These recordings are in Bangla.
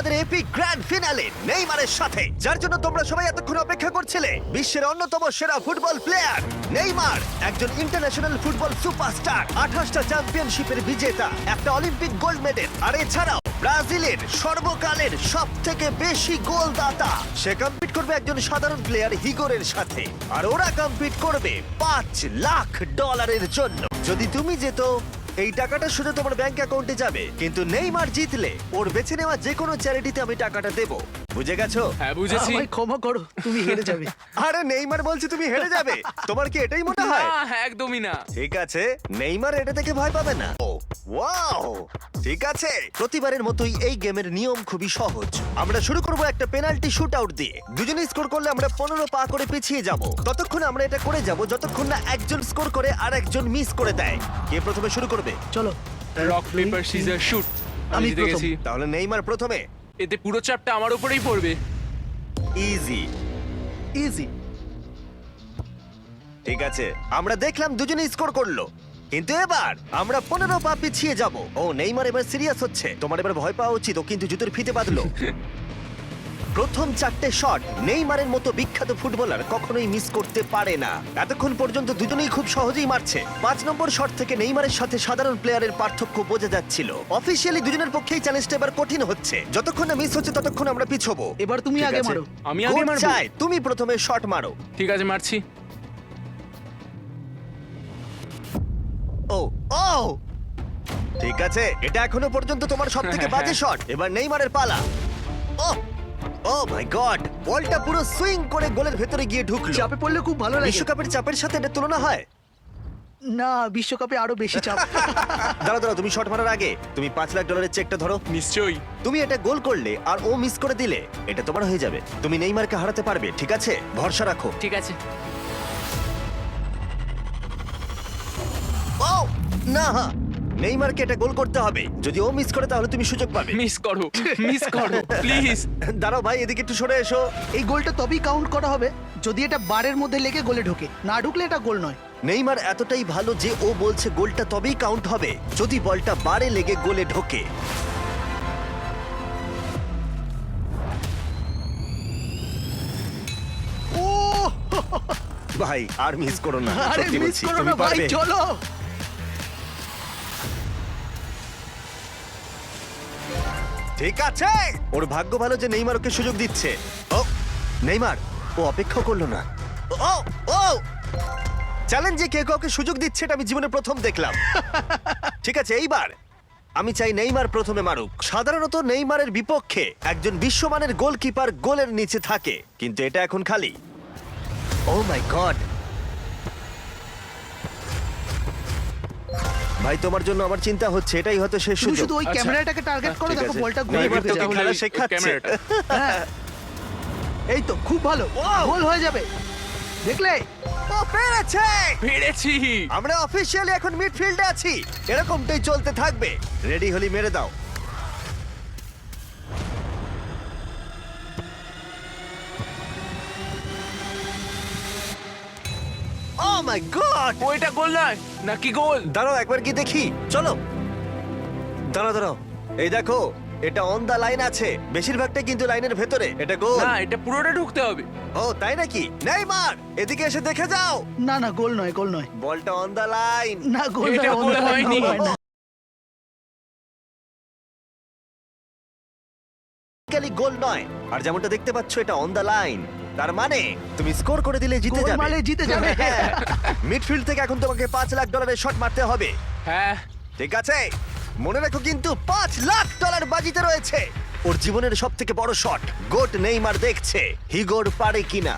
আমাদের এপিক গ্র্যান্ড ফিনালে নেইমারের সাথে, যার জন্য তোমরা সবাই এতক্ষণ অপেক্ষা করছিলে। বিশ্বের অন্যতম সেরা ফুটবল প্লেয়ার নেইমার, একজন ইন্টারন্যাশনাল ফুটবল সুপারস্টার, 28টা চ্যাম্পিয়নশিপের বিজেতা, একটা অলিম্পিক গোল্ড মেডেল, আর এছাড়াও ব্রাজিলের সর্বকালের সবথেকে বেশি গোলদাতা। সে কম্পিট করবে একজন সাধারণ প্লেয়ার হিগোরের সাথে, আর ওরা কম্পিট করবে $5 লাখ জন্য। যদি তুমি যেত, এই টাকাটা শুধু তোমার ব্যাংক অ্যাকাউন্টে যাবে, কিন্তু নেইমার জিতলে ওর বেছে নেওয়া যে কোনো চ্যারিটিতে আমি টাকাটা দেবো। বুঝে গেছো? হ্যাঁ বুঝেছি। আমায় ক্ষমা করো, তুমি হেরে যাবে। আরে নেইমার বলছে তুমি হেরে যাবে, তোমার কি এটাই মনে হয়? না, একদমই না। ঠিক আছে, নেইমার এটা থেকে ভয় পাবে না। ও ওয়াও, ঠিক আছে। প্রতিবারের মতোই এই গেমের নিয়ম খুবই সহজ। আমরা শুরু করব একটা পেনাল্টি শুট আউট দিয়ে। দুজনে স্কোর করলে আমরা 15 পা করে পিছিয়ে যাব। ততক্ষণ আমরা এটা করে যাব যতক্ষণ না একজন স্কোর করে আর একজন মিস করে দেয়। কে প্রথমে শুরু করবে? চলো রক পেপার সিজার শুট। আমি আমি জিতে প্রথম। গেছি। তাহলে নেইমার প্রথমে। এতে পুরো চাপটা আমার উপরেই পড়বে। ইজি। ইজি। ঠিক আছে, আমরা দেখলাম দুজনে স্কোর করলো, কিন্তু এবার আমরা 15 পা পিছিয়ে যাব। ও নেইমার এবার সিরিয়াস হচ্ছে। তোমার এবার ভয় পাওয়া উচিত, ও কিন্তু জুতোর ফিতে বাঁধলো। প্রথম 4টে শট নেইমারের মতো বিখ্যাত ফুটবলার কখনোই মিস করতে পারে না। এতক্ষণ পর্যন্ত দুজনেই খুব সহজেই মারছে। 5 নম্বর শট থেকে নেইমারের সাথে সাধারণ প্লেয়ারের পার্থক্য বোঝা যাচ্ছিল। অফিসিয়ালি দুজনের পক্ষেই চ্যালেঞ্জটা এবার কঠিন হচ্ছে। যতক্ষণ না মিস হচ্ছে ততক্ষণ আমরা পিছবো। এবার তুমি ঠিক আগে আছে? মারো। আমি আগে কোচ মারবো? চায় তুমি প্রথমে শট মারো। ঠিক আছে, মারছি। ও ও ঠিক আছে, এটা এখনো পর্যন্ত তোমার সবথেকে বাজে শট। এবার নেইমারের পালা। ও ও মাই গড, বলটা পুরো সুইং করে গোলের ভেতরে গিয়ে ঢুকলো। চাপে পড়লে খুব ভালো লাগে। বিশ্বকাপের চাপের সাথে এটা তুলনা হয়? না, বিশ্বকাপে আরো বেশি চাপ। দাঁড়াও দাঁড়াও, তুমি শট মারার আগে তুমি $5 লাখ চেকটা ধরো। নিশ্চয়ই। তুমি এটা গোল করলে আর ও মিস করে দিলে এটা তোমার হয়ে যাবে। তুমি নেইমারকে হারাতে পারবে, ঠিক আছে? ভরসা রাখো। ঠিক আছে। ও না, নেইমারকে এটা গোল করতে হবে। যদি ও মিস করে তাহলে তুমি সুযোগ পাবে। মিস করো, মিস করো প্লিজ। দাঁড়াও ভাই, এদিকে একটু সরে এসো। এই গোলটা তবেই কাউন্ট করা হবে যদি এটা বারের মধ্যে লেগে গোলে ঢোকে। না ঢুকলে এটা গোল নয়। নেইমার এতটাই ভালো যে ও বলছে গোলটা তবেই কাউন্ট হবে যদি বলটা বারে লেগে গোলে ঢোকে। ও ভাই আর মিস করো না, আরে সত্যি মিস বলছি, করো তুমি না ভাই, পারবে। চলো। ঠিক আছে, ওর ভাগ্য ভালো যে নেইমার ওকে সুযোগ দিচ্ছে। ও নেইমার, ও অপেক্ষা করলো না। ও ও চ্যালেঞ্জে কে কাউকে সুযোগ দিচ্ছে এটা আমি জীবনে প্রথম দেখলাম। ঠিক আছে, এইবার আমি চাই নেইমার প্রথমে মারুক। সাধারণত নেইমারের বিপক্ষে একজন বিশ্বমানের গোলকিপার গোলের নিচে থাকে, কিন্তু এটা এখন খালি। ও মাই গড, ভাই তোমার জন্য আমার চিন্তা হচ্ছে, এটাই হয়তো শেষ তুমি সুযোগ। শুধু ওই আচ্ছা। ক্যামেরাটাকে টার্গেট করো, ঠিক দেখো আছে। বলটা গোলে নেইমার ঢুকে তোকে যাবে। খেলা ওই শেখাচ্ছে। ক্যামেরাটা। হ্যাঁ। এই তো খুব ভালো, Wow! গোল হয়ে যাবে। দেখলে? ও পেরেছে! পেরেছি। আমরা অফিসিয়ালি এখন মিডফিল্ডে আছি। এরকমটাই চলতে থাকবে। রেডি হলি মেরে দাও। Oh my god! ওইটা গোল নয় নাকি গোল? দাঁড়াও একবার কি দেখি, চলো। দাঁড়াও দাঁড়াও, এই দেখো, এটা অন দা লাইন আছে। বেশিরভাগটা কিন্তু লাইনের ভেতরে। এটা গোল। না, এটা পুরোটা ঢুকতে হবে। ও তাই নাকি? নেইমার, এদিকে এসে দেখে যাও। না না, গোল নয়, গোল নয়। বলটা অন দা লাইন। না, গোল এটা নয়, গোল অন্য হয়নি। গোল হয় না। গোল নয়, আর যেমনটা দেখতে পাচ্ছ এটা অন দা লাইন। তার মানে তুমি স্কোর করে দিলে জিতে গোল যাবে। মারলে জিতে যাবে। মিডফিল্ড থেকে এখন তোমাকে $5 লাখ শট মারতে হবে। হ্যাঁ। ঠিক আছে, মনে রাখো কিন্তু $5 লাখ বাজিতে রয়েছে। ওর জীবনের সব থেকে বড় শট। গোট নেইমার দেখছে হিগোর পারে কিনা।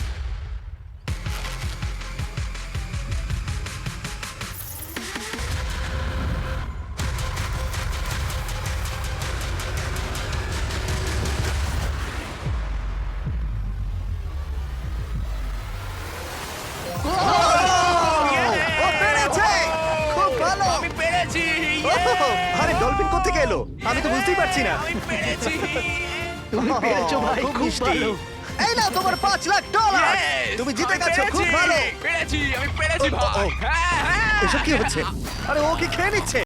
ও পেরেছে! খুব ভালো! আমি পেরেছি। আরে ডলফিন কোত্থেকে এলো? আমি তো বুঝতেই পারছি না। আমি পেরেছি। তুমি পেরেছো ভাই, খুব খুব মিষ্টি। ভালো। এই নাও তোমার $5 লাখ। Yes! তুমি জিতে আমি গেছো, খুব পেরেছি। ভালো। পেরেছি, আমি পেরেছি ও, ও, ভাই। ও। হ্যাঁ, হ্যাঁ। এসব কি হচ্ছে? আরে ও কি খেয়ে নিচ্ছে?